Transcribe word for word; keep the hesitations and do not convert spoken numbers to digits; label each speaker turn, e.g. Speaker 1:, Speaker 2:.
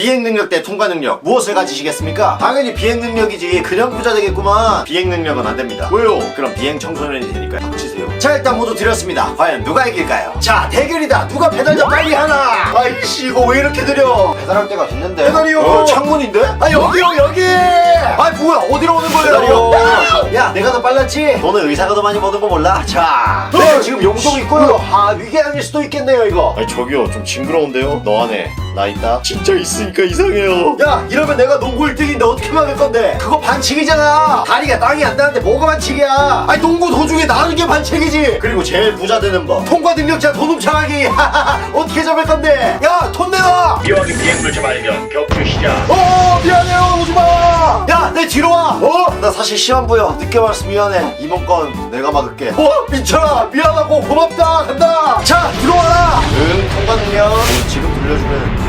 Speaker 1: 비행 능력 대 통과 능력 무엇을 가지시겠습니까? 당연히 비행 능력이지. 그냥 부자 되겠구만. 비행 능력은 안 됩니다. 왜요? 그럼 비행 청소년이 되니까 닥치세요. 자, 일단 모두 드렸습니다. 과연 누가 이길까요? 자, 대결이다. 누가 배달자 빨리 하나. 아이씨, 이거 왜 이렇게 느려? 배달할 때가 됐는데. 배달이요. 어, 창문인데? 아, 여기요, 여기. 아, 뭐야? 어디로 오는 거예요? 배달이요. 야, 내가 더 빨랐지? 너는 의사가 더 많이 버는 거 몰라? 자, 네, 지금 용동 있고요. 아, 위계 아닐 수도 있겠네요, 이거.
Speaker 2: 아니 저기요 좀 징그러운데요? 너 안에 나 있다? 진짜 있으니까 이상해요.
Speaker 1: 야, 이러면 내가 농구 일 등인데 어떻게 막을 건데? 그거 반칙이잖아. 다리가 땅이 안 닿는데 뭐가 반칙이야? 아니, 농구 도중에 나는 게 반칙이지. 그리고 제일 부자 되는 법, 통과 능력자 돈 훔쳐가기. 어떻게 잡을 건데? 야, 돈 내놔.
Speaker 3: 이왕이 비행물체 발견 격투 시작.
Speaker 1: 어, 미안해요, 오지마. 야, 내 뒤로 와. 어? 나 사실 시험부여 늦게 왔어. 미안해. 이번 건 내가 막을게. 어? 민철아, 미안하고 고맙다. 간다. 자, 들어와라. 응, 통과 능력. 지금 돌려주면